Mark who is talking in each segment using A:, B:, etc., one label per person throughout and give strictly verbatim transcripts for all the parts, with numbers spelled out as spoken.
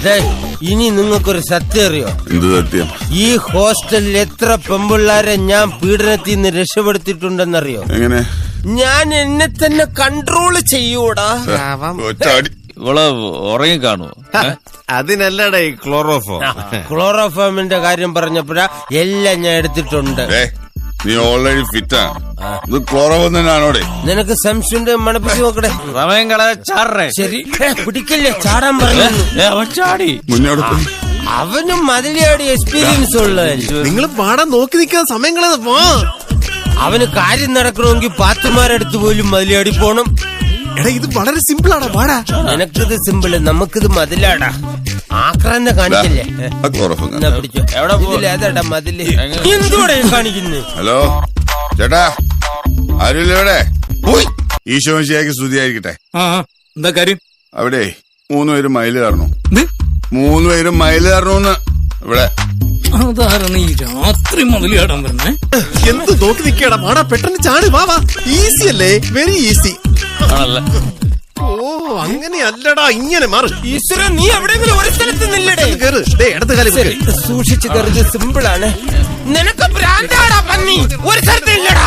A: ഇനി നിങ്ങൾക്കൊരു സത്യം അറിയോ?
B: എന്ത് സത്യം?
A: ഈ ഹോസ്റ്റലിൽ എത്ര പെമ്പിള്ളാരെ ഞാൻ പീഡനത്തിൽ നിന്ന് രക്ഷപ്പെടുത്തിയിട്ടുണ്ടെന്നറിയോ?
B: എങ്ങനെ?
A: ഞാൻ എന്നെ തന്നെ കൺട്രോൾ ചെയ്യൂടാ.
C: ഇവള് ഉറങ്ങി കാണുവോ?
D: അതിനല്ലടേ ക്ലോറോഫോം.
A: ക്ലോറോഫോമിന്റെ കാര്യം പറഞ്ഞപ്പോഴാ എല്ലാം ഞാൻ എടുത്തിട്ടുണ്ട്.
B: നീ ഓൾറെഡി ഫിറ്റാ. ഇത് ക്ലോറോഫോം തന്നെയാണോടെ?
A: നിനക്ക് സംശയം മണപ്പിച്ച് നോക്കട്ടെ.
C: സമയം കളയാ ചാടേ.
A: ശരി, പിടിക്കല്ലേ, ചാടാൻ പറഞ്ഞു.
C: അവൻ ചാടി.
B: മുന്നോട്ട്
A: അവനും മതിലിയാടി എക്സ്പീരിയൻസ് ഉള്ളതല്ലേ.
D: നിങ്ങൾ പാടാൻ നോക്കി നിൽക്കാൻ സമയം കളയാതെ പോ.
A: അവന് കാര്യം നടക്കണമെങ്കിൽ പാത്തുമാരടുത്ത് പോലും മതിലിയാടി പോണം.
D: എടാ ഇത് വളരെ സിമ്പിൾ ആടാ, പാടാ.
A: നിനക്കിത് സിമ്പിള്, നമുക്കിത് മതിലാടാ. ആക്രാന്ത കാണിക്കല്ലേ. പിടിച്ചോ. ഇതിലേതാടാ മതില്? എന്തുകൂടെ കാണിക്കുന്നു?
B: ഹലോ ചേട്ടാ, ആരുമില്ല ഇവിടെ? ഈശോ മിശിഹായ്ക്ക് സ്തുതിയായിരിക്കട്ടെ.
E: എന്താ കാര്യം?
B: അവിടെ മൂന്നുപേരും മയില് കയറണു. മൂന്നുപേരും മയില് കയറണൂന്ന് ഇവിടെ.
E: അതാരാണ് ഈ രാത്രി മുതലാടാൻ വരുന്നേ?
D: എന്ത് നോക്കി നിൽക്കടാ, പാടാ, പെട്ടെന്ന് ചാടി. വാ വാ, ഈസി അല്ലേ? Very easy. ഓ അങ്ങനെയല്ലടാ, ഇങ്ങനെ മാറി.
A: ഈശ്വര, നീ എവിടെയെങ്കിലും ഒരു സ്ഥലത്ത് നില്ലടേ.
D: സൂക്ഷിച്ചു
A: കയറി. സിമ്പിൾ ആണ്. നിനക്ക് ഭ്രാന്താടാ പന്നി. ഒരു സ്ഥലത്ത് ഇല്ലടാ.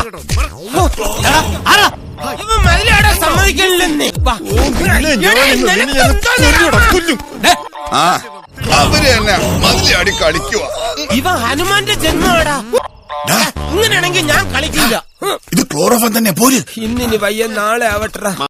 A: ഇവൻ മതിലാടാ സമ്മതിക്കണില്ലെന്നേ.
B: ആ അവര് തന്നെ മതിലടി കളിക്കുക.
A: ഇവ ഹനുമാന്റെ ജന്മമാടാ. ഇങ്ങനെയാണെങ്കിൽ ഞാൻ കളിക്കില്ല.
B: ഇത് ക്ലോറോഫോം തന്നെ പോര്.
A: ഇന്നിനി വയ്യ, നാളെ ആവട്ടെ.